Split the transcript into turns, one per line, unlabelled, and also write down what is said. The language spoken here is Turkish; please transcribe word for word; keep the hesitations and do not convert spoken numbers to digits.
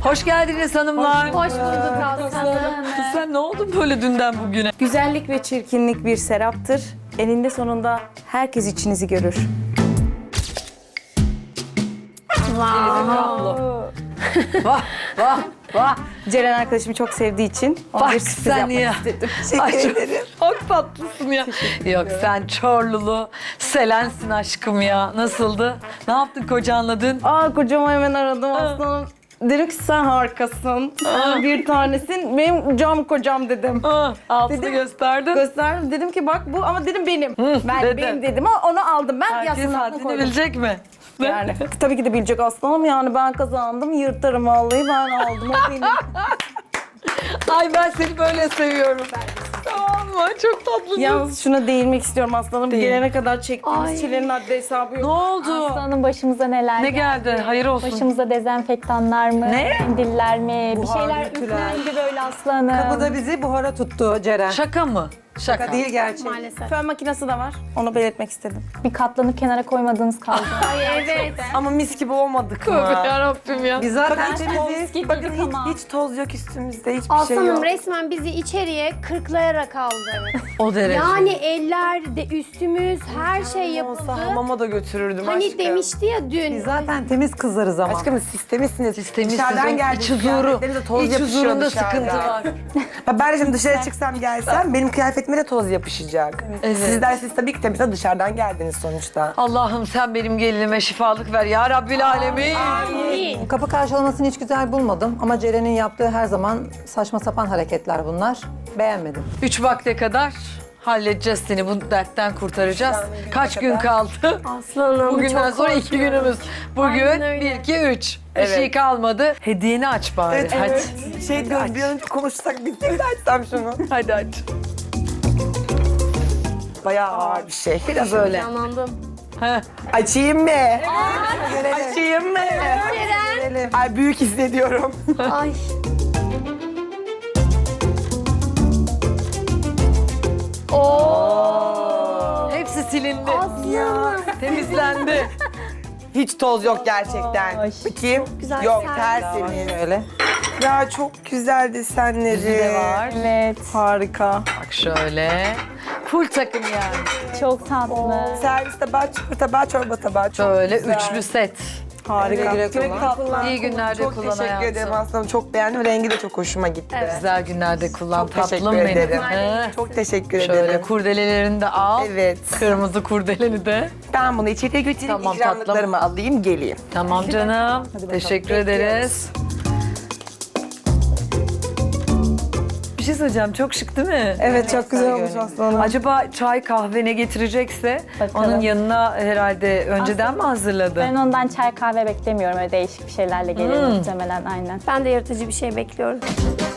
Hoş geldiniz hanımlar.
Hoş bulduk Aslanım.
Kız sen ne oldun böyle dünden bugüne?
Güzellik ve çirkinlik bir seraptır. Eninde sonunda herkes içinizi görür.
Vah vah vah.
Ceren arkadaşımı çok sevdiği için ona
Bak
bir sürpriz
sen
yapmak
ya.
istedim.
Ay, çok, çok tatlısın ya. Yok sen Çorlulu, Selensin aşkım ya. Nasıldı? Ne yaptın kocanla dün?
Aa kocamı hemen aradım aslanım. Dedim ki sen harikasın. Sen bir tanesin. Benim cam kocam dedim.
Aa, altını
Dedim-
gösterdin.
Gösterdim. Dedim ki bak bu ama dedim benim. ben
dedi.
benim dedim ama onu aldım. Ben
Herkes
yasını
haddini
koydum.
bilecek mi?
Yani tabii ki de bilecek aslanım yani ben kazandım yırtarım vallahi ben aldım o benim.
Ay ben seni böyle seviyorum. Tamam mı? Çok tatlısın.
Yalnız şuna değinmek istiyorum aslanım.
Değil.
Gelene kadar çektiğimiz
Ay.
çilenin haddi hesabı
Ne
yok.
oldu?
Aslanım başımıza neler
Ne geldi? Hayır olsun.
Başımıza dezenfektanlar mı?
Ne?
Mendiller mi? Bir
Buharlı
şeyler
ütüler.
üflendi böyle aslanım.
Bu da bizi buhara tuttu Ceren.
Şaka mı? Şaka.
Şaka değil gerçek.
Maalesef.
Fön makinesi de var. Onu belirtmek istedim.
Bir katlanıp kenara koymadığınız kaldı.
Ay evet.
Ama mis gibi olmadık mı?
Yarabbim ya.
Biz zaten
Bakın
temizliyiz.
Gibi
Bakın
dedik
hiç,
ama.
hiç toz yok üstümüzde, hiçbir şey
Aslanım
yok.
resmen bizi içeriye kırklayarak aldı.
O derece.
Yani eller, de üstümüz, her şey yapıldı.
Olsa hamama da götürürdüm
Hani
aşkım.
demişti ya dün.
Biz zaten temiz kızlarız ama.
Aşkım siz temizsiniz.
Siz temizsiniz,
Dışarıdan
onun
geldiniz.
iç huzuru.
kıyafetlerinize toz
İç
yapışıyor
huzurunda
dışarıdan.
sıkıntı var.
Ha, ben şimdi dışarı çıksam gelsem benim kıyafetime de toz yapışacak.
Evet.
Sizler siz tabii ki temizle dışarıdan geldiniz sonuçta.
Allah'ım sen benim gelinime şifalık ver ya Rabbil Alemin.
Kapı karşılamasını hiç güzel bulmadım ama Ceren'in yaptığı her zaman saçma sapan hareketler bunlar. Beğenmedim.
Üç vakte kadar halledeceğiz seni. Bu dertten kurtaracağız. Kaç gün kaldı?
Aslanım
Bugünden
çok
sonra iki
korkuyorum.
günümüz. Bugün
Aynen öyle.
bir, iki, üç. Bir
Evet.
şey kalmadı. Hediyeni aç bari.
Evet,
hadi.
evet. Şey diyoruz bir an önce konuşsak biz de açsam şunu.
Hadi aç.
Bayağı ağır bir şey.
Biraz öyle.
Anladım.
Heh.
Açayım mı? Açayım mı?
Gelelim.
Ay büyük hissediyorum.
Ay.
Hepsi silindi.
Aslanım.
Temizlendi.
Hiç toz yok gerçekten. Bakayım.
güzel
Yok
servis.
tertemiz.
Öyle.
Ya çok güzel desenleri.
Yüzü de var.
Evet.
Harika.
Bak şöyle. Full takım yani.
Çok tatlı.
Servis tabağı, çorba tabağı, çorba tabağı. Çok
Şöyle
güzel.
üçlü set.
Harika.
Güle güle kullan.
İyi günlerde
Çok
kullan
teşekkür
hayatım.
ederim aslanım. Çok beğendim. Rengi de çok hoşuma gitti.
Güzel günlerde kullan
Çok
tatlım
teşekkür
benim.
ederim.
He.
Çok teşekkür
Şöyle
ederim.
kurdelelerini de al.
Evet.
Kırmızı kurdeleni de.
Ben bunu içeriye götüreyim,
Tamam,
ikramlıklarımı alayım, geleyim.
Tamam canım. Teşekkür ederiz. Bir şey söyleyeceğim. Çok şık değil mi?
Evet çok güzel olmuş aslanım.
Acaba çay kahve ne getirecekse
Bakalım.
onun yanına herhalde önceden mi hazırladı?
Ben ondan çay kahve beklemiyorum. Öyle değişik bir şeylerle gelir muhtemelen aynen.
Ben de yaratıcı bir şey bekliyorum.